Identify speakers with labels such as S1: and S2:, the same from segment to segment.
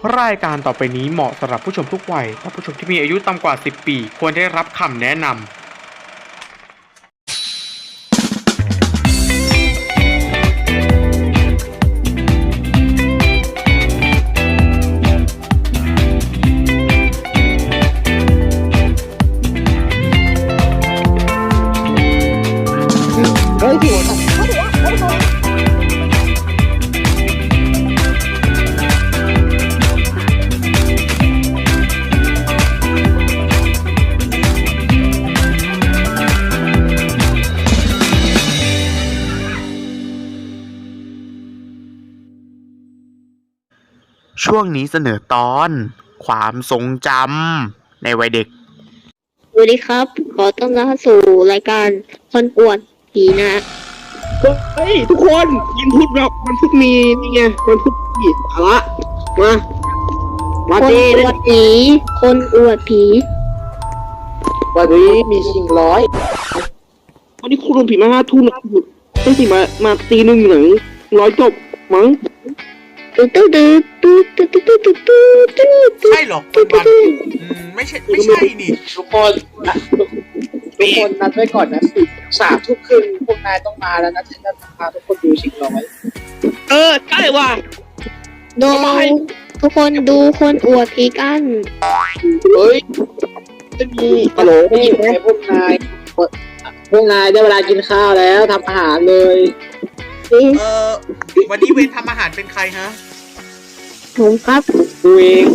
S1: รายการต่อไปนี้เหมาะสำหรับผู้ชมทุกวัยและผู้ชมที่มีอายุต่ำกว่า 10 ปี ควรได้รับคำแนะนำช่วงนี้เสนอตอนความทรงจำในวัยเด็ก
S2: สวัสดีครับ ขอต้อนรับสู่รายการคนอวดผีนะ
S3: เฮ้ยทุกคนวันพุธเราวันพุธมีนี่ไงวันพุธมีเอาละมา
S2: คน
S3: เต้
S2: อวดผีคนอวดผี
S3: วันนี้มีชิงร้อยวันนี้คุณโดนผีมา5 ทุ่มนะไม่สิมาตีหนึ่งหนัง100 จบมั้ง
S2: ตุ๊ดตุ๊ดตุ๊ดตุ๊ดตุ๊ดตุ๊ดตุ๊ดตุ๊ดตุ๊ด
S1: ใช่หรอคุณบันไม่ใช่นี่
S4: ทุกคนนัดไว้ก่อนนะ3 ทุ่มครึ่งพวกนายต้องมาแล้วนะฉันจะพาทุกคนดูชิงร้อย
S3: ใช่ว่ะ
S2: ดูทุกคนดูคนอวดผีกัน
S3: เฮ้ยจะมี
S4: ฮัลโหลได้ยินไหมพวกนายได้เวลากินข้าวแล้วทำอาหารเลย
S1: วันนี้เวรทำอาหารเป็นใครฮะ
S2: ผมครับ
S3: ดูเอง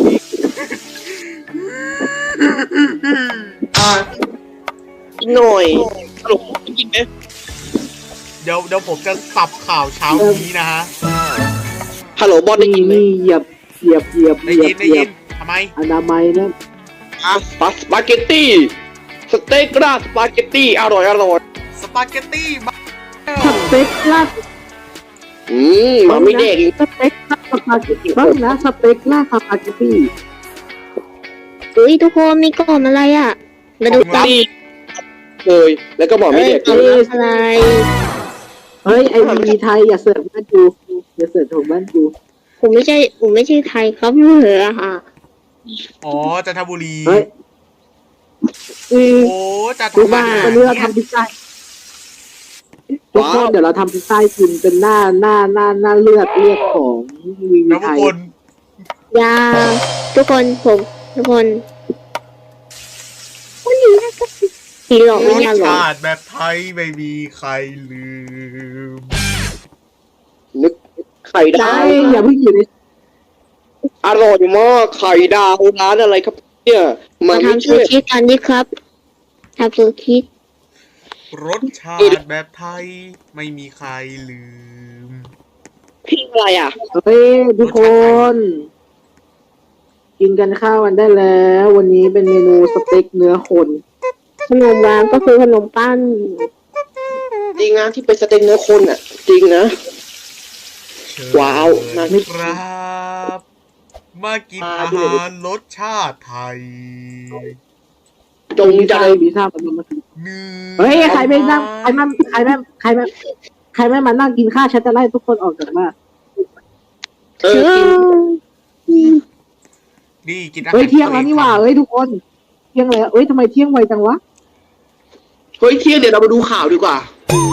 S3: กินหน่อยฮัลโหลกินไหม
S1: เดี๋ยวผมจะสับข่าวเช้านี้นะฮะ
S3: ฮัลโหลบอลได้ยินไหม
S4: นี่เหยียบ
S1: ได้ยินทำไม
S4: อนามัยนะ
S3: สปาเกตตี้สเต็กราดสปาเกตตี้อร่อย
S1: สปาเกตตี้มา
S4: สเต็กลาด
S3: มาไม่เด็กอีก
S4: สเต็กลาดสปาเกตตี้บ้างนะสเต็กลาดสปาเกตตี้
S2: เฮ้ยทุกคนมีกล่องอะไรอ่ะ มาดูกัน
S3: เลยแล้วก็บอกไม่เด็ก
S2: กล่องอะไร
S4: เฮ้ยไอ้มีไทยอย่าเสิร์ฟบ้านกูอย่าเสิร์ฟของบ้านกู
S2: ผมไม่ใช่ไทยครับเหรอฮะ
S1: อ๋อจันทบุรี
S4: เฮ้ย
S1: โอ้จันท
S4: ทุก
S1: บุ
S4: บ้าน
S1: รี
S4: วันนี้เราทำพิซซ่าทุกคนเดี๋ยวเราทำพิซซ่ากินเป็นหน้าเลือดของมี
S1: แล้วทุ
S4: ไท
S1: ก
S4: ย
S1: คน
S2: ยาทุกคนวันนี้นะครับผีหลอก
S1: ร
S2: ไม่
S1: ส
S2: ยาหรอก
S1: ชาติแบบไทยไม่มีใครลืม
S3: นึกไข่ดา
S4: ใช่
S3: ว
S4: อย่าเพิ่งอยู่ใน
S3: อร่อยมากไข่ดาวร้านอะไรครับเนี่ยมา
S2: มา
S3: ไม่
S2: ทำซู
S3: ช่วย
S2: ชิกันดิครับทำซูชิ
S1: รสชาติแบบไทยไม่มีใครลืม
S3: พี่อะไรอ่ะ
S4: เฮ้ยทุกคน กินกันข้าวกันได้แล้ว วันนี้เป็นเมนูสเต็กเนื้อคน
S2: ขนมร้านก็คือขนมปั้น
S3: จริงนะที่เป็นสเต็กเนื้อคนอ่ะ จริงนะ ว้าว
S1: น่าครับ มากินอาหารรสชาติไทย
S3: จงใจ
S4: พิซซ่ามันมา
S1: เนื้อ
S4: เฮ้ยใครไม่นั่งใครไม่มานั่งกินข้าวฉันจะไล่ทุกคนออกจากบ้าน
S3: กิน
S1: นี่กินอาหาร
S4: เฮ้ยเที่ยงแล้วนี่หว่าเฮ้ยทุกคนเที่ยงแล้วเฮ้ยทำไมเที่ยงไวจังวะ
S3: เฮ้ยเที่ยงเดี๋ยวเรามาดูข่าวดีกว่า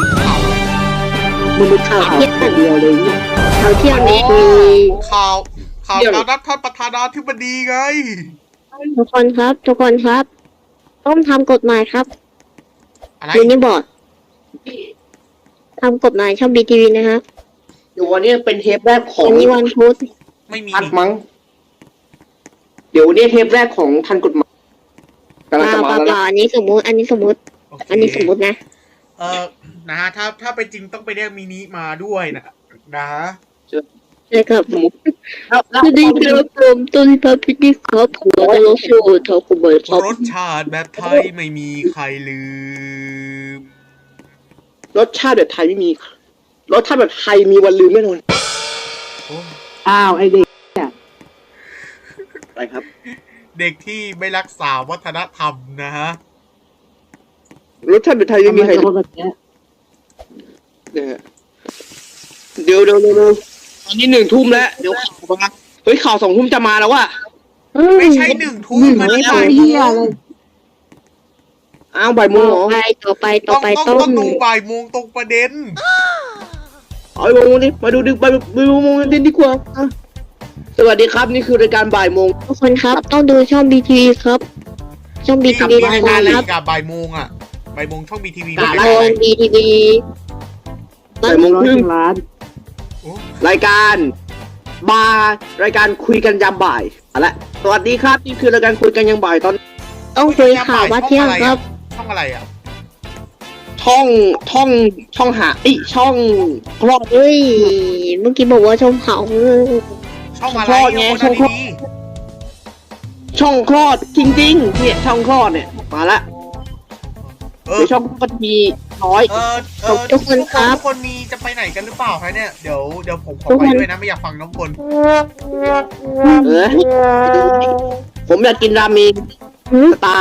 S4: มันเป็นข้าวคนเดียวเลยเนี่ย
S2: เขาเที่ยงนี้มี
S1: ข่าวการนัดท่านประธานาธิบดีไง
S2: ทุกคนครับต้องทำกฎหมายครับ
S1: อะไร
S2: ยูนิบอร์ดทำกฎหมายช่องบีทีวีนะฮะ
S3: เดี๋ยววันนี้เป็นเทปแรกของ
S2: วันนี้วันพุธ
S1: ไม่มี
S3: ทันมั้ง เดี๋ยววันนี้เทปแรกของทันกฎหมายกำลังจะมาแล้วนะ
S2: อันนี้สมมุติ
S1: โอเค
S2: นะ
S1: นะฮะถ้าไปจริงต้องไปเรียกมินิมาด้วยนะฮะ
S2: เลยครับ
S3: แล้ว
S2: สวัสดีครับผมต้นพับพิธีครับผมจะลงสู่ทอคุบอยครับ
S1: รสชาติแบบไทยไม่มีใครลืม
S3: รสชาติแบบไทยไม่มี รสชาติแบบไทยมีวันลืมแน่นอน
S1: โอ้
S4: อ้าวไอเด็ก
S3: ไปครับ
S1: เด็กที่ไม่รักษาวัฒนธรรมนะฮะ
S3: รสชาติแบบไทยไม่
S4: ทำ
S3: มี
S4: ไม
S3: ใคร
S4: เป็นคนแบบนี้
S3: เนี่ยเดี๋ยวตอนนี้1 ทุ่มแล้ว เดี๋ยวข่าวมาฮ้ยข่าว2 ทุ่มจะมาแล้วว่ะ
S5: ไม่ใช่1 ทุ่มมัน
S4: ไม่
S5: บ่าย
S4: เหี้ย
S5: โม
S4: เล
S5: ง
S4: ย
S3: อ้าวบ่ายโมงเหรอ
S2: ต่อไป
S5: ต้องดูบ่ายโมงตรงประเด็น
S3: เอาบ่ายโมงนี่มาดูดึกบ่ายโมงเด่นดีกว่าอ่ะสวัสดีครับนี่คือรายการบ่ายโมง
S2: ทุกคนครับต้องดูช่อง BTV ครับ ช่อง BTV
S5: ราย
S2: นะ
S5: การอะไร
S2: ครับ
S5: กับบ่ายโมงอ่ะบ่ายโมงช่องบีทีวี
S2: ช่อง BTV
S3: บ่ายโมงครึ่ง
S4: ร้าน
S3: รายการรายการคุยกันยามบ่ายเอาละสวัสดีครับนี่คือรายการคุยกันยามบ่ายตอน
S2: ต้องคุยข่าวว่าเที่ยงครับ
S5: ช่องอะไรอ่ะ
S3: ช่องหาช่องคลอด
S2: เฮ้ยเมื่อกี้บอกว่าช่องเขา
S5: ช่องอะไร
S3: คลอดไง
S5: คน
S3: ช่องคลอด
S5: ดี
S3: ช่องคลอดจริงๆเนี่ยช่องคลอดเนี่ยมาละ
S5: ๆ
S3: เดี๋ยวช่องคลอดมีน้อย
S2: ทุกคนครับ
S5: ทุกคนมีจะไปไหนกันหรือเปล่าคะเนี่ยเดี๋ยวผมขอไปด้วยนะไม่อยากฟังน้องคน
S3: ผมอยากกินราเมงสไต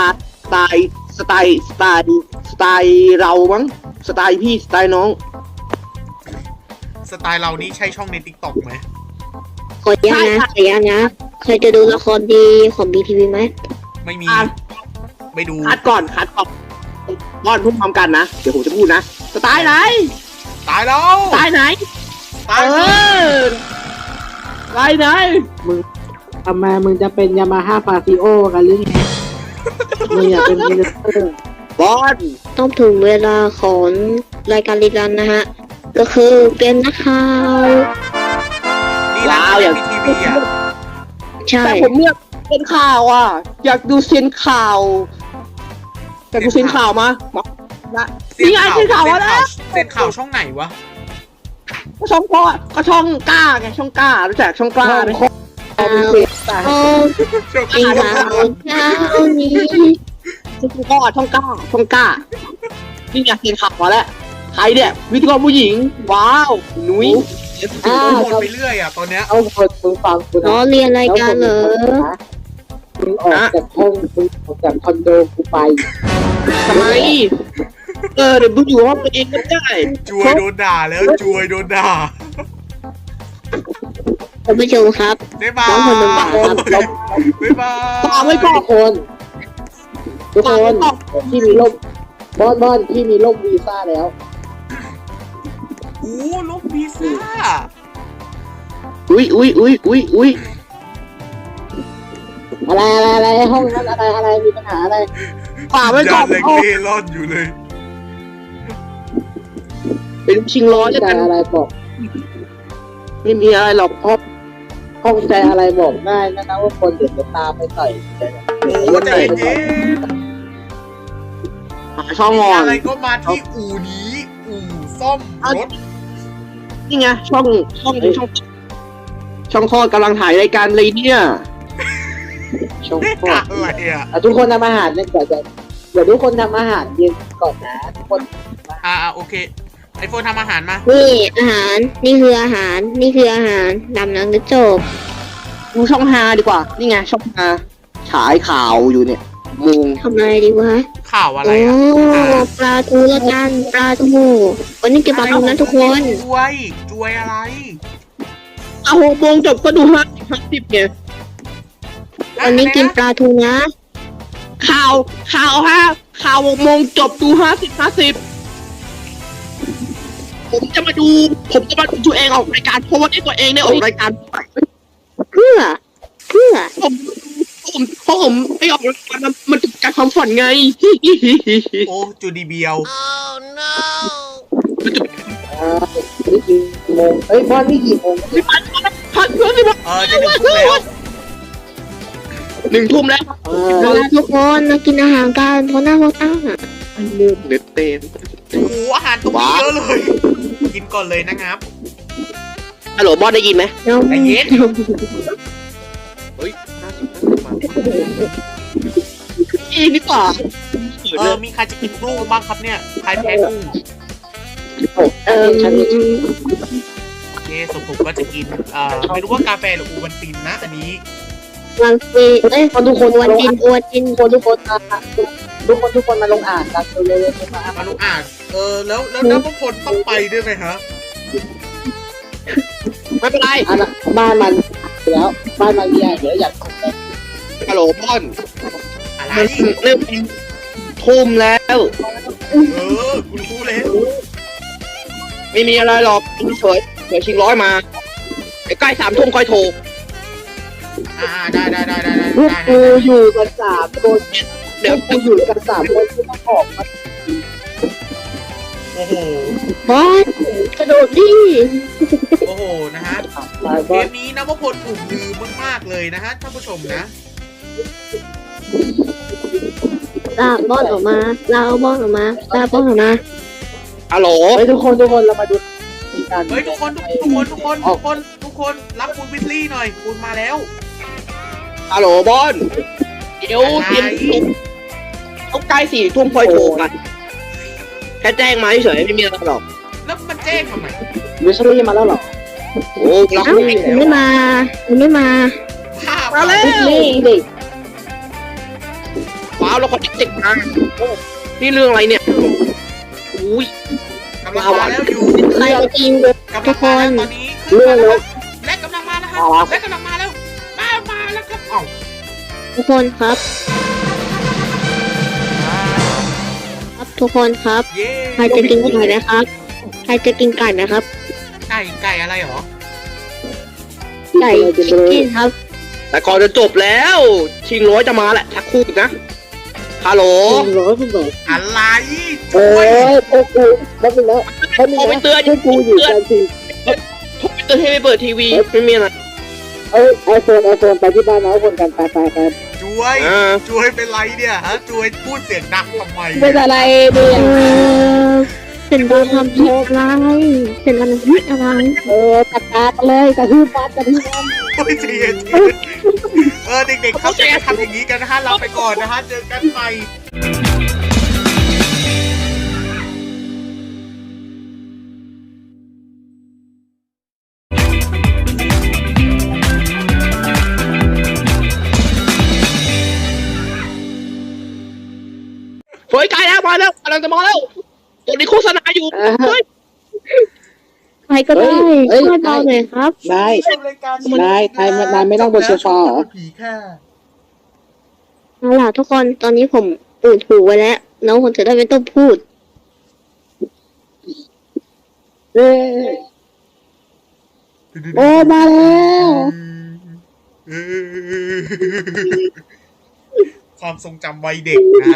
S3: ล์เรามั้งสไตล์พี่สไตล์น้อง
S5: สไตล์เรานี่ใช่ช่องใน TikTok ไหม
S2: ขออนุญาตนะเคยจะดูละครดีของ BTV ไหม
S5: ไม่มี
S3: อ่ะ
S5: ไม่ดู
S3: คัดก่อนป้อนพูดพร้อมกันนะเดี๋ยวผมจะพูดนะสไตล์ไหน
S5: ตายแล้ว
S3: สไตล์ไหน
S5: ตาย
S3: เอ
S5: แล้ว
S3: อสไตล์ไหน
S4: ทำไมมึงจะเป็นยามาฮ่าฟาซิโอกันหรือไงมึงอยากเป็นมินิสเตอร์
S3: บอล
S2: ต้องถึงเวลาของรายการรีรันนะฮะก็คือเป็นนักข่าว
S5: นี่ร้านบีทีวีอ่ะ
S2: ใช่
S3: แต่ผมเนี่ยเป็นข่าวอ่ะอยากดูเซียนข่าวอยากดูเซียนข่าวมานี่ไงเซียนข่าวมาแล้ว
S5: เส้นข่าวช่องไหนวะ
S3: ก็ช่องพ่อก็ช่องกล้าไงช่องกล้ารู้จักช่องกล้าไหม
S2: โอ้
S5: ช่อง
S2: จริงข่าวเช้านี้
S3: ช่องพ่อช่องกล้านี่ไงเซียนข่าวมาแล้วใครเนี่ยวิทยกรผู้หญิงว้าวนุ้ย
S5: วนไปเรื่อยอ่ะตอนเนี้ย
S4: เอาคนมึงฟังกู
S2: ล้อ
S4: นะ
S2: เรียนรายการเหรอ
S4: มึงออกจากห้องมึงออกจากคอนโดกูไป
S3: ทำไมเดี๋ยวมึงอยู่ห้องตัวเองก็ได้
S5: จวยโดนด่าแล้วจวยโดนด่า
S2: ท่านผู้ชมครับ
S5: บ๊ายบาย
S2: น้องคนหนึ่งบาทครับ
S5: บ๊ายบาย
S3: ฝากไว้ก่อน
S4: ทุกคนที่มีร่มบอนที่มีร่มวีซ่าแล้ว
S5: โอ้ลบพิซซ่า
S3: อุ้ย
S4: อะไรห้องนั้นอะไรมีปัญหาอะไร
S3: ฝากไว้ก่อน
S5: เล็กเล่ร่อนอยู่เลย
S3: เป็นชิงร้อยแล้ว
S4: ใจ
S3: กัน
S4: อะไรบอก
S3: ไม่มีอะไรหรอกพ่อ
S4: ห้องใจอะไรบอกได้นะว่าคนเดี๋ยวจะตามไปต่อย
S5: โอ้ใจเย็น
S3: หาช่อง
S5: มี
S3: งอน
S5: อะไรก็มาที่อู่นี้อู่ซ่อมรถ
S3: นี่ไงช่องคลอดกำลังถ่ายรายการเลยเนี่ย
S4: ช่อง
S5: เด็ก
S4: พ่อ
S5: อะไรอ่ะ
S4: ทุกคนทำอาหารเนี่ยเดี๋ยวทุกคนทำอาหารเย็นก่อนนะทุกคน
S5: โอเคไอโฟนทำอาหารมา
S2: นี่อาหารนี่คืออาหารดำน้ำนึกจบ
S3: ดูช่องฮาดีกว่า นี่ไงช่องฮาฉายข่าวอยู่เนี่ยมุง
S2: ทำอะไรดีวะ
S5: ข่าวอะไร
S2: โอ้
S5: อ่ะ
S2: ปลาทูละกันปลาทูวันนี้กินปลาทูนะทุกคน
S5: จวยอะไร
S3: เอา6 โมงจบก็ดู50ไง
S2: วันนี้กินปลาทูนะ
S3: ข่าว6 โมงจบดู50ผมจะมาดูตัวเองออกรายการเพราะว่าที่ตัวเองเนี่ยออกรายการ
S2: เพื่อ
S3: ผมไปออกรายการมันถึงการความฝันไง
S5: โอ้จูดีเบียว
S4: นี่กี่โมงบอนนี่กี่โมง
S3: พักเพื่อนสิบ
S5: จะ1 ทุ่มแล้ว
S3: 1 ทุ่มแล้ว
S2: ทุกคนมากินอาหารกันเพราะหน้าเขาตั้งอ่ะ
S3: เนื้อเต็ม
S5: โอ้โหอาหารตรงนี้เยอะเลย กินก่อนเลยนะครับ
S3: ฮัลโหลบอสได้ยินไหม
S2: น้อง
S5: ใจเย็น
S3: เฮ้ยอีกดีกว่า
S5: มีใครจะกินกุ้งบ้างครับเนี่ย ใครแพ้กุ้ง
S4: ฉันมี
S5: โอเคสมผมก็จะกิน ไม่รู้ว่ากาแฟหรืออูบันตินนะ อันนี้
S2: วันฟีทุกคนวันจิน
S4: ทุกคนมาลงอ่านกันเร็วๆมา
S5: มาลูกอ่านแล้วพวกคนต้องไปด้วยไหมฮะ
S3: ไม่เป็นไร
S4: บ้านมันแล้วบ้านมาเรียเดี๋ยวอยาก
S3: ฮัลโหลบอน
S5: อะไร
S3: มันเริ่มทุ่มแล้ว
S5: กูรู้เลย
S3: ไม่มีอะไรหรอกเฉยเดี๋ยวชิงร้อยมาใกล้3 ทุ่มค่อยโทร
S5: ได้
S4: พวกกูอยู่กัน3 คน
S3: เดี๋ยว
S4: กูอยู่กัน3 คนกูต้องออกมา
S5: โอ้โห
S2: บอสกระโดดดิ
S5: โอ้โหนะฮะ
S4: ตาย
S5: เก
S4: บ้าน
S5: มนี้นะว่าพลถูกลือมากๆเลยนะฮะท่านผู้ชมนะ
S2: ลากบอสออกมาลากบอสออกมาลากบอสออกมา
S3: ฮัลโหล
S4: เฮ้ยทุกคนเรามาดูกัน
S5: เฮ้ยทุกคนรับคุณวิสลี่หน่อยคุณมาแล้ว
S3: ฮัลโหลบอนเดี๋ยวเตรียมต้องใกล้4 ทุ่มค่อยโทรกันแค่แจ้งมาเฉยไม่มีอะไรหรอก
S5: แล้วมันแจ้งทำไม
S4: วิชลี่มาแล้วเหรอ
S3: โอ้เรา
S2: เอ้าผมไม่มาผมไม่มา
S5: ภาพ
S3: มาแล้ว
S2: นี่ดิ
S3: ว้าวเราขอติดมานี่เรื่องอะไรเนี่ยอุ้ย
S5: กำลังมาแล้วอยู่
S2: ใครจะกิน
S5: กำลังมาแล้วตอนนี้
S4: เรื่องรถ
S5: และกำลังมาแล้วครับและกำลังมาแล้วมาแล้วครับเอ้า
S2: ทุกคนครับ ครับทุกคนครับ
S5: เย้
S2: ใครจะกินไก่นะครับ ใครจะกินไก่นะครับ
S5: ไก่อะไรหรอ
S2: ไก่ชิคกี้ครับ
S3: แต่ก่อนจะจบแล้ว ชิงร้อยจะมาแหละชักคู่นะฮัลโหล
S4: 100คุณบอก
S5: อะไร
S4: เอ้ยพวกกูแป๊บนึงแล้วแป๊บนึง
S3: โทรไป
S4: นะ
S3: เตือน
S4: พวกกูอยู่กันสิ
S3: โทรไปเตือนให้ไปเปิดทีวีไม่มีอะไร
S4: ไอโฟนไปที่บ้านน้องคนกันไป
S5: ช่วยเป็นไรเนี่ยฮะช่วยพูดเสียงดังทำไม
S4: เป็นอะไรเนี่ย
S2: เป็นการทำผิดอะไรเป็นการทำผิดอะไร
S4: ตัดตาไปเลยกระทืบบ้านกระทืบบ้าน
S5: โอ้ยเจียเด็กๆเข้าใจทำอย่างนี้กันนะฮะลาไปก่อนนะฮะเจอกันใหม่
S3: เฮ้ยใกล้แล้วมาแล้วกำลังจะมาแล้วตอนนี้โฆษณาอยู่เฮ้ย
S2: ใครก็ได้ช่วยเบาหน่อยครับ
S4: นายไม่นั่งบนโซฟาเหรอ
S5: ผีแค่
S2: เอาล่ะทุกคนตอนนี้ผมปูดหูไว้แล้วน้องคนจะได้ไม่ต้องพูด
S4: โอ้มาแล้ว
S5: ความทรงจำวัยเด็กนะ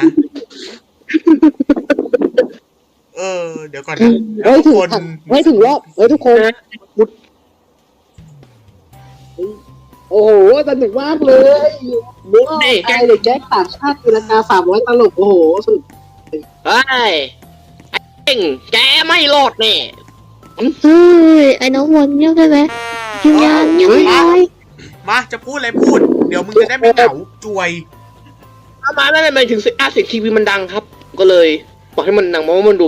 S5: เดี๋ยวก่อนนะ
S4: เฮ้ยถึงรอบทุกคนโอ้โหสนุกมากเลย
S3: มุกดิ
S4: ไอเด็กแก๊งต่างชาติตีลังกา300ตลกโอ้โหสุด
S3: เฮ้ยไอ้เก่งแกไม่รอดแน่
S2: เฮ้ยไอ้น้องวนเงียบได้ไหมอยู่ยังเงียบไม่ได้
S5: มาจะพูดอะไรพูด เดี๋ยวมึงจะได้ไม่เหงาจวย
S3: ถ้ามาไม่เป็นถึงเสียงทีวีมันดังครับ ก็เลยบอกให้มันดังเพราะว่ามันดู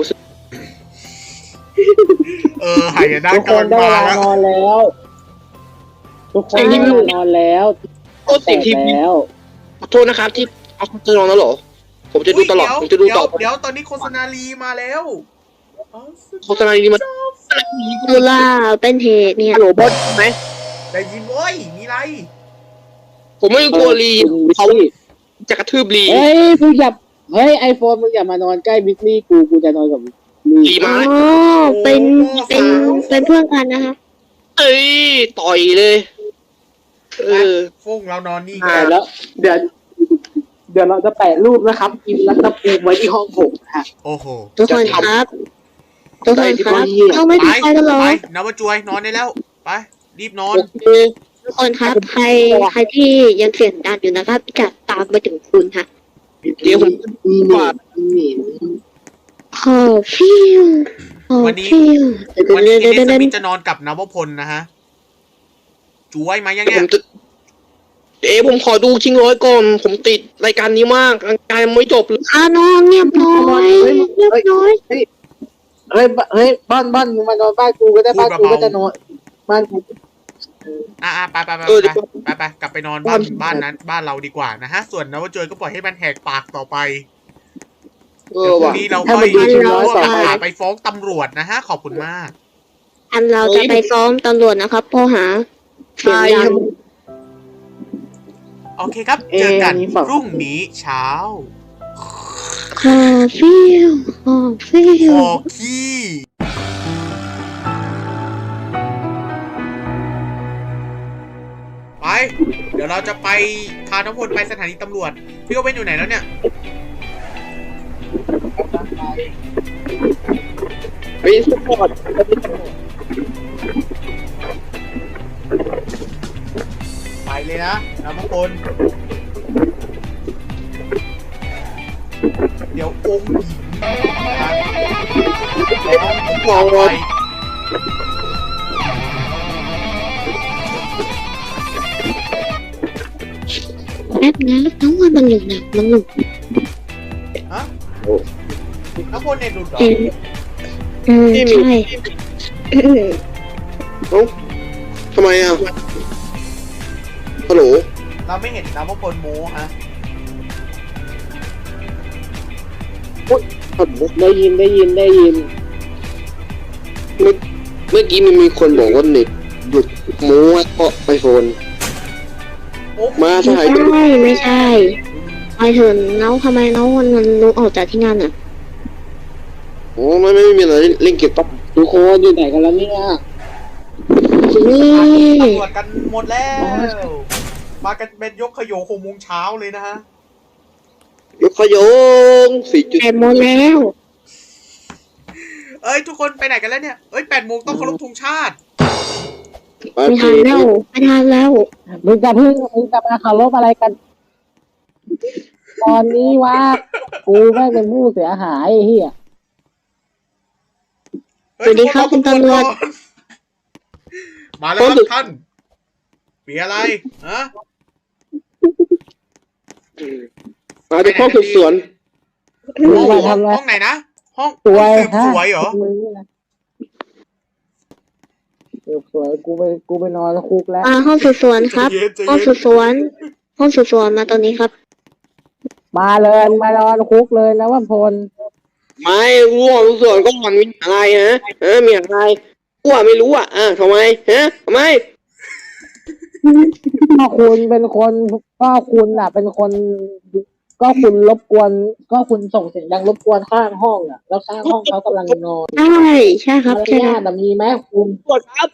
S5: หายนะ
S4: ทุกค
S5: กำลั
S4: น
S5: ง
S4: ได้
S5: มา
S4: เวลา
S5: แล้ว
S4: นอนแล้วทุกคนได้เวลานอนแล้ว
S3: โอ้เสียงทีวี
S4: แล้ว
S3: ขอโทษนะครับที่เอาจะนอนแล้วเหรอผมจะดูตลอดผมจะดูต่อ
S5: เดี๋ยวตอนนี้โฆษณาลีมาแล้ว
S3: โฆษณานี้มัน
S2: ตุลาเป็นเหตุเนี่ย
S3: ฮัลโหลบอสไหม
S5: ได้ยินโว้ยมีไร
S3: ผมไม่กลัวลีเขาจะกระทืบลี
S4: เฮ้ยมึงอย่าไอโฟนมึงอย่ามานอนใกล้บิ๊กลี่กูจะนอนกับลี
S3: ลีมา
S2: อ๋อเป็นเพื่อนกันนะคะ
S3: เอ้ยต่อยเลย
S5: ฟงเรานอนนี่
S4: แล้วเดี๋ยวเราจะแปะรูปนะครับอินรัตภูมิไว้ที่ห้องผมฮะ
S5: โอ้โห
S2: ทุกคนครับเราไม่
S5: ไป
S2: มีใครกันหรอ
S5: ไปนวจวยนอนได้แล้วไปรีบนอน
S2: ทุกคนครับใครที่ยังเสียงดังอยู่นะครับจะตามไปถึงคุณค่ะ
S3: เดี๋ยวผม
S4: มีหนี
S2: ขอฟิว
S5: วันนี้เนสมิธจะนอนกับนวพลนะฮะจวยมายังไง
S3: ผมขอดูชิงร้อยก่อน ผมติดรายการนี้มากรายการไม่จบเลย
S2: นอนเงียบน้อยเงียบน้อย
S4: เฮ้ยบ้านมึงมานอนบ้านกูก็ได้บ้านกูก็จะนอนบ้านกู
S5: ไปกลับไปนอนบ้านนั้นบ้านเราดีกว่านะฮะส่วนนวจวยก็ปล่อยให้มันแหกปากต่อไปเดี๋ยวพรุ่งนี้เราค่อยไปฟ้องตำรวจนะฮะขอบคุณมาก
S2: เราจะไปซ้อมตำรวจนะครับข้อหาเสียงดัง
S5: โอเคครับ เจอกันพรุ่งนี้เช้า
S2: ขอฟิวขอฟิ
S5: ข
S2: ว
S5: อขี้ไป เดี๋ยวเราจะไปพาน้องพลไปสถานีตำรวจ พี่โอเว่นอยู่ไหนแล้วเนี่ย
S3: ไปสปอร์ต
S5: ไปเลยนะน้องพลเดี๋ยวองค์หญิงนะแล้วผมพาไป
S2: แป๊บนะน้องวันมันหลุดนะมันหลุด
S5: ฮะน้องพลเน็ตหลุดเหรอ
S2: ใช่
S3: ทำไมอ่ะฮัลโหล
S5: เราไม่เห็นน้องพลโม้ฮะ
S4: ได้ยิน
S3: เมื่อกี้มันมีคนบอกว่าเน็ตหลุดโม้เพราะไอโฟน
S5: โอ้
S3: มา
S2: ไม่
S3: ใช่
S2: ใช่ไม่ใช่ไปเถอะน้องทำไมน้องมันรู้ออกจากที่งานอ่ะ
S3: โอ้ไม่มีอะไรเล่นเก็บปั๊บ
S4: ทุกคนอยู่ไหนกันแล้วเนี่ย
S2: นี่
S5: ตำรวจกันหมดแล้ว มากันเป็นยกขยโย6 โมงเช้าเลยนะฮะ
S3: ยกขยง4
S2: แต่หมดแล้ว
S5: เอ้ยทุกคนไปไหนกันแล้วเนี่ย เอ้ย8 โมงต้องเคารพธงชาติ
S2: ไม่ทันแล้วไม่ทันแล้ว
S4: มึงจะมาเคารพอะไรกัน ตอนนี้ว่ากูแม่งเป็นผู้เสียหายไอ้เหี้ย
S5: เฮ้ยทุกนรอตำรวจก่อนมาแล้วครับท่านมีอะไรฮะ
S3: มาเป็นห้องสืบสวน
S4: มึงมาทำอะไร
S5: ห้องไหนนะ ห้อง
S4: สวย
S5: สืบสวยเหรอ
S4: มึงนี่นะสวยกูไปนอนคุกแล้ว
S2: ห้องสืบสวนครับ ห้องสืบสวน ห้องสืบสวนมาตอนนี้ครับ
S4: มาเลยมานอนคุกเลยนะว่าพล
S3: ไม่รู้ห้องสืบสวนก็มันมีอะไรฮะมีอะไรกูไม่รู้อ่ะทำไมฮะทำไม
S4: ก็คุณเป็นคนก็คุณอ่ะ เป็นคน ก็คุณรบกวน ก็คุณส่งเสียงดังรบกวนข้างห้องอ่ะ แล้วข้างห้องเขากำลังนอน
S2: ใช่ใช่ครับ
S4: มาร
S2: ใช่ค
S4: ยา
S2: รับ
S4: ทมีไหมคุณ
S3: กดครับ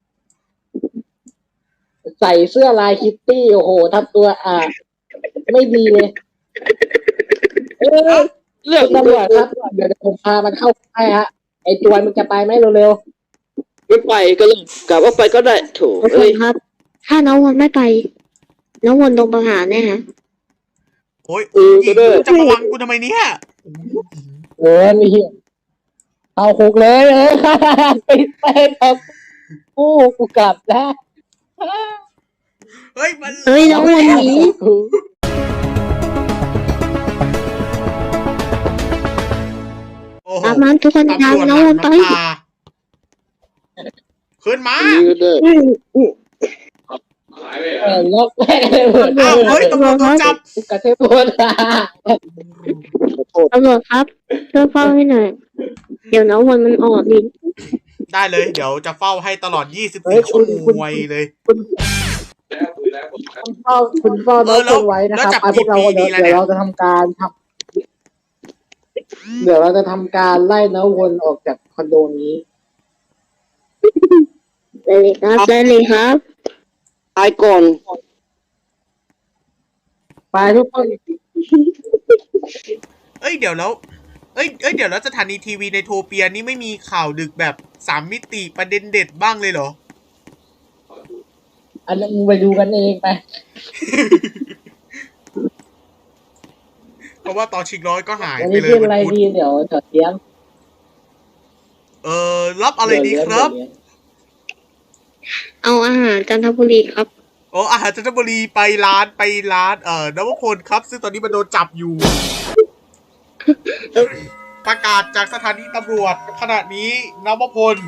S4: ใส่เสื้อลายคิตตี้โอ้โหทำตัวไม่ดีเลย
S3: เรื่อง
S4: ตำรวจครับเดี๋ยวผมพามันเข้าค่ายฮะไอจวนมันจะไปไหมเร็ว
S3: ไม่ไปก็เลยกลับว่าไปก็ได้โถ
S2: ทุกคนครับ ถ้าน้องวันไม่ไป น้องวันโดนประหารแน่ฮะ
S5: โอ้ยอีกจะมาวังกูทำไมเนี่ย
S4: ๆมีเอาคุกเลยปิดไปครับกูกลับแล้ว
S5: เฮ้ยมัน
S2: เฮ้ยน้องวันหนี
S5: โอ้โห
S2: ตามนั้นทุกคนตามน้องวันไป
S5: ขึ้นมา
S4: ล็อกแม่เลยหมด
S5: อ้าวเฮ้ยตำรวจโดนจับ
S4: กระเทพน
S2: ตำรวจครับช่วยเฝ้าให้หน่อย เดี๋ยวน้องวันมันออกดิ
S5: ได้เลย เดี๋ยวจะเฝ้าให้ตลอด24 ชั่วโมงเลย
S4: คุณเฝ้าน้องคนไว้นะครับพวกเราเดี๋ยวเราจะทำการเดี๋ยวเราจะทำการไล่น้องวนออกจากคอนโดนี้
S2: ได้เลยครับได้เลยครับ
S3: ตายก่อน
S4: ไปทุกคน
S5: เอ้ยเดี๋ยวแล้ว เดี๋ยวแล้วสถานีทีวีในโทเปียนี่ไม่มีข่าวดึกแบบ3 มิติประเด็นเด็ดบ้างเลยเหรอ
S4: อันนั้นมึงไปดูกันเองไป
S5: เพราะว่าตอนชิงร้อยก็หาย
S4: วัน
S5: ไป
S4: นี้
S5: เลย
S4: เรื่องอะไรดีเดี๋ยวเสียง
S5: รับอะไรดีครับ
S2: เอาอาหารจันทบุรีครับ
S5: โอ้อาหารจันทบุรีไปร้านนวพลครับ ซึ่งตอนนี้มันโดนจับอยู่ ประกาศจากสถานีตำรวจขณะนี้นวพล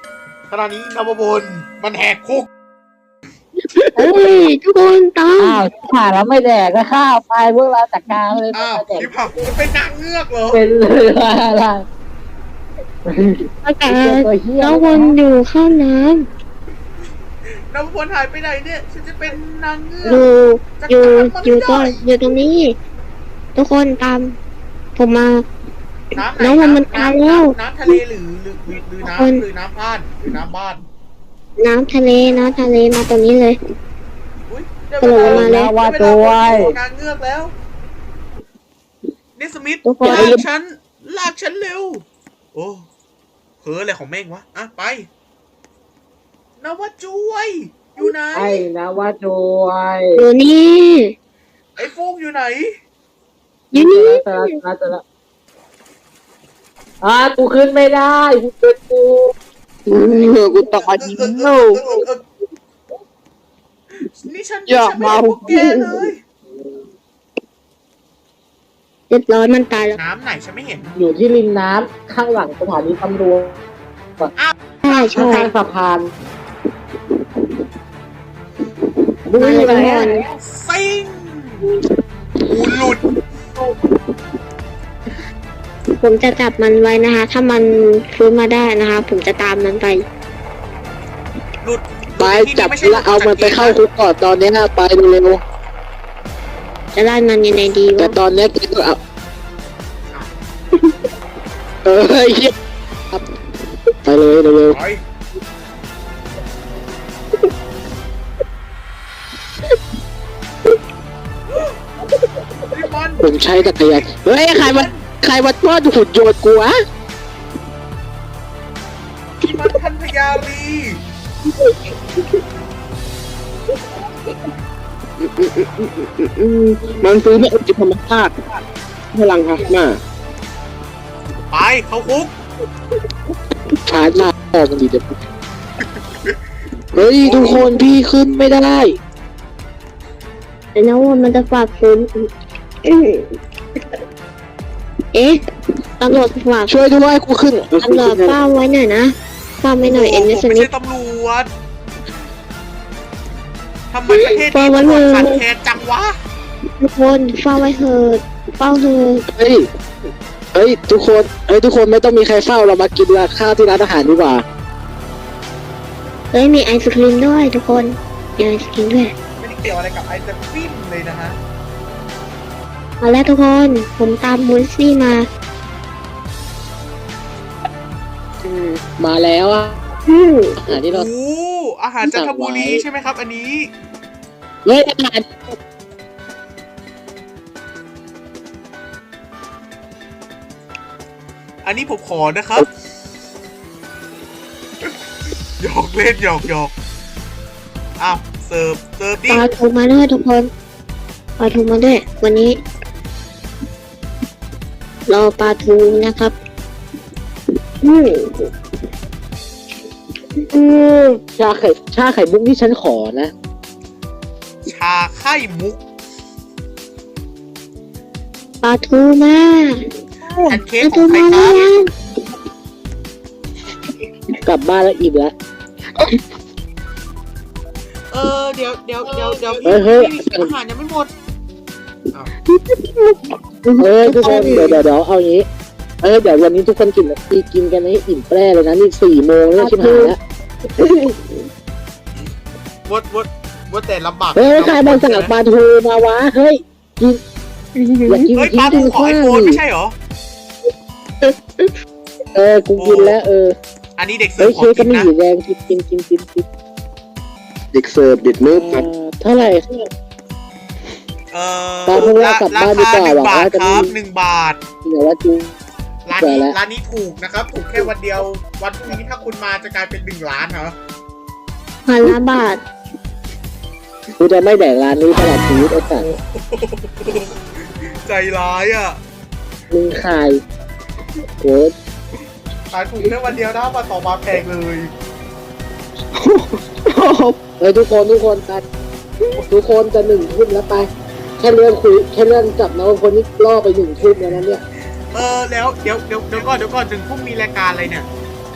S5: มันแหกคุก
S2: เฮ้ยทุกคนตาม
S4: อ้าวผ่านแล้วไม่แดกก็ข้าวไปพวกเราจัดการเลย
S5: อ้าว
S4: ไม่แดก
S5: พี่ผักจะเป็นนางเงือกเหรอ
S4: เป็นเลยอะไร
S2: ประกาศน้องวันอยู่ข้างน้
S5: นวพลหายไปไหนเนี่ยฉันจะเป็นนางเงือก
S2: อยู่ก่อนอยู่ตรงนี้ ทุกคนตาม ผมมา
S5: น้ำไหน
S2: น้องมันตายแล้ว
S5: น้ำทะเลหรือน้ำหรือน้ำบ้านหรือน้ำบ้าน
S2: น้ำทะเลมาตรงนี้เลย
S5: อุ้ย
S2: กระโดดลงมาเลย
S4: ว่าตัวไว้
S5: นางเงือกแล้วเนสมิธ
S2: ทุกคน
S5: ลากฉันเร็วโอ้เฮ้ออะไรของเม่งวะอ่ะไปนวจุยอยู่ไหน
S4: ไอ้นะว่าจวย
S2: อยู่นี่
S5: ไอ้ฟุกอยู่ไหน
S2: อยู่นี่
S4: จะกูขึ้นไม่ได้กูเป็นกู
S3: กูตายจริงเอ้า
S5: นี่ฉัน
S3: อย่า
S5: ไม่
S3: มา
S5: เห็นพวกแกเลย
S2: เรียบร้อยมันตายแล้ว
S5: น้ำไหนฉันไม่เห็น
S4: อยู่ที่ริมน้ำข้างหลังสถานีตำรวจ
S2: ใช่ใช่
S4: ข้างสะพานดู
S2: มา
S4: อ
S2: เลย
S4: ยู่ไหน
S2: ทุกค
S4: อะ
S2: น
S5: ซิงกูหลุด
S2: ผมจะจับมันไว้นะคะ ถ้ามันฟื้นมาได้นะคะ ผมจะตามมันไป
S5: หลุด
S3: ไปจับแล้วเอามันไปเข้าคุกก่อนตอนนี้ไปเร็ว
S2: จะไล่มันยังไงดี
S3: แต่
S2: วะ
S3: ตอนนี้กูก็เอาเหี้ยไปเลยเร็ว
S5: ไปนี่มัน
S3: ผมใช้จักรยานเฮ้ยใครมาป้อนหุ่นโยนกูอะ
S5: นี่มันพันพยาลี
S3: มันซื้อไม่อุจิธรรมชาติพลังฮะมา
S5: ไปเข้าคุก
S3: ชาร์จหน้าพ่อมันดีเด็ดเฮ้ยทุกคนพี่ขึ้นไม่ได้
S2: แต่นะว่ามันจะฝากฟื้นเอ๊ะตำรวจฝาก
S3: ช่วยด้วยกูขึ้น
S2: ตำรวจเฝ้าไว้หน่อยนะเฝ้าไว้หน่อยเอ็น
S5: ผ
S2: นิ
S5: ม
S2: ส
S5: ไม่
S2: มิธ
S5: ใช่ตำรวจทำไมประเทศนี้ตำรวจขาดแคลนจังวะ
S2: ทุกคนเฝ้าไว้เถิดเฝ้าเถิด
S3: เฮ้ยทุกคนไม่ต้องมีใครเฝ้าเรามากินข้าวที่ร้านอาหารดีกว่า
S2: เฮ้ยมีไอศครีมด้วยทุกคนมีไอศครีมด้วย
S5: ไม่ได้เกี่ยวอะไรกับไอศครีมเลยนะฮะ
S2: มาแล้วทุกคนผมตามมูสซี่มา
S3: มาแล้วอ่ะ
S2: อืม
S3: อาหารที่เรา
S5: โอ้อาหารจันทบุรีใช่ไหมครับ อันนี้
S3: เฮ้ยอาหาร
S5: อันนี้ผมขอนะครับหยอกเล่นหยอกอ้าวเสิร์ฟดิ
S2: ปลาทูมาด้วยทุกคนปลาทูมาด้วยวันนี้ รอปลาทูนะครับอืมอืม
S3: ชาไข่มุกที่ฉันขอนะ
S5: ชาไข่มุก
S2: ปลาทูมา
S5: แพนเค้
S2: ป
S5: ก
S2: ลา
S5: ข
S2: ทู
S5: องใคร
S2: มา
S5: ค
S2: แล้
S5: รับ
S2: ว
S3: กลับบ้านแล้วอิ่มแล้ว
S5: เดี๋ยว
S3: เฮ้ย
S5: พี่อาหารยังไม่หมด
S3: เฮ้ยทุกคนเดี๋ยวเอาอย่างนี้เดี๋ยววันนี้ทุกคนกินกันให้อิ่มแปร่เลยนะนี่4 โมงแล้วชิบหายแล้ว
S5: ว่าแต่ลำบาก
S3: เฮ้ยใครมาสั่งปลาทูมาวะเฮ้ยกินอยากกิน
S5: เฮ้ย
S3: กิ
S5: ปลาน ทู
S3: กิน
S5: ขอ
S3: ข้า
S5: ไอ
S3: ว
S5: โฟน
S3: ดิ
S5: ไม่ใช่เหรอ
S3: กูกินแล้ว
S5: อันนี้เด็กเสิ
S3: เฮ้
S5: ร์
S3: ย
S5: ฟขอ
S3: เค้กก็
S5: กิน
S3: มี
S5: นะ
S3: อยู่แดงกินเด็กเสิร์ฟเด็กเนิร์ฟเท่าไหร่ ตอนพวกเรากลับบ้านดีกว่า
S5: 1 บาท
S3: หวังว่าจะ
S5: ค
S3: ไม่
S5: รับ1 บาท
S3: เดี๋ยวว่าจู
S5: ร้าน
S3: เจอแล้
S5: นี้
S3: ว
S5: ร้านนี้ถูกนะครับ ถูกแค่วันเดียว วันพรุ่งนี้ถ้าคุณมาจะกลายเป็น1 ล้านเหรอ
S2: 1,000 บาท
S3: กูจะไม่แดกร้านนี้ตลอดชีวิตไอ้สัส
S5: ใจร้ายอ่ะ
S3: มึงขายโห
S5: ขายถูกแค่วันเดียวนะมาต่อมาแพงเลย
S3: เฮ้ยทุกคนกันทุกคนจะ1 ทุ่มแล้วไปแค่เรื่องจับนะว่าคนนี้ล่อไป1 ทุ่มแล้วนะเนี่ย
S5: แล้วเดี๋ยวก่อนถึงพรุ่งมีรายการอะไรเนี่ย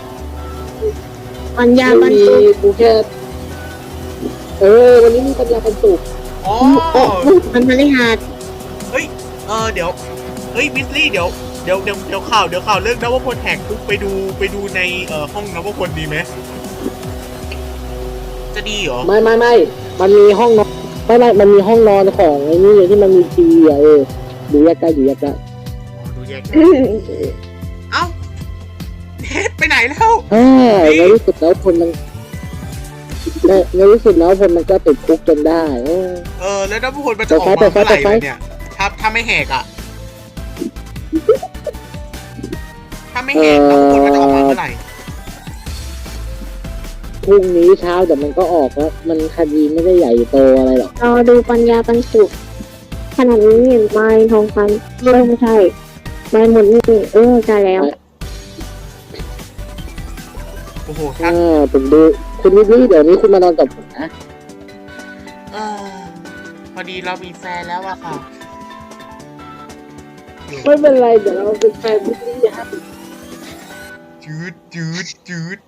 S2: ปัญญาบรร
S3: มี
S2: จุ
S3: กูแค่วันนี้มีปัญญาบรรจุ
S5: อ๋อ
S2: มันพฤหัส
S5: เฮ้ยเดี๋ยวเฮ้ยวิสลี่เดี๋ยวข่าวเรื่องนวพลแหกคุกไปดูในห้องนวพลดีไหมจะดีเหรอ
S4: ไม่มันมีห้องนอนไม่มันมีห้องนอนของไอ้นี่ที่มันมีทีวีอ่ะดูแยกกัน
S5: อ๋อดูแยกกันเอ้าเฮ็ดไปไหนแล้ว
S4: ในที่สุดแล้วคนมันในที่สุดแล้วคนมันก็ติดคุกจนได้
S5: แล้วน้ำพลมันจะออกมาเมื่อไหร่เนี่ยถ้าไม่แหกอ่ะถ้าไม่แหกน้ำพลมันจะออกมาเมื่อไหร่
S4: พรุ่งนี้เช้าแต่มันก็ออกแล้วมันคดีไม่ได้ใหญ่โตอะไรหรอก
S2: รอดูปัญญาปันสุขขนาดนี้เห็นไม้ทองคำไม่ใช่ไม้หมดนี่ใช่แล้ว
S5: โอ้โห
S4: ผมดูคุณวิลลี่เดี๋ยวนี้คุณมานอนกับผมนะ
S5: พอดีเรามีแฟนแล้วอะค่ะ
S4: ไม่เป็นไรเดี๋ยวเราเป็นแฟนวิลลี่ฮะ
S5: จืด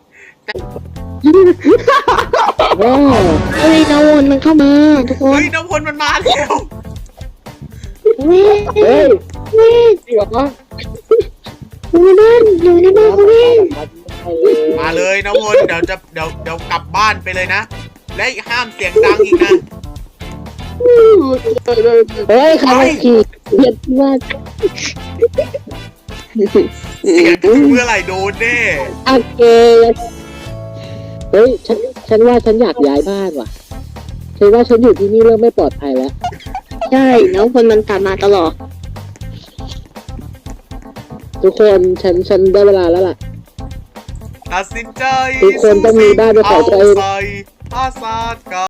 S2: เฮ้ยน้ำวนมันเข้ามาทุกคน
S5: น้ำพลมันมาแล้ว
S2: เว้ย
S4: จริงเหรอ
S2: อยู่ในบ้านเว้ย
S5: มาเลยน้ำพลเดี๋ยวกลับบ้านไปเลยนะและห้ามเสียงดังอีกนะ
S4: ใครขี่เบียดมาก
S5: เสียงเมื่อไหร่โดนแน่
S4: โอเคฉันว่าฉันอยากย้ายบ้านว่ะฉันว่าฉันอยู่ที่นี่เริ่มไม่ปลอดภัยแล้ว
S2: ใช่แล้วคนมันตามมาตลอด
S4: ทุกคนฉันได้เวลาแล้วล่ะ
S5: ตัดสินใจ
S4: ทุกคนต้องมีบ้านเป็นของตัวเอง
S5: อาซาด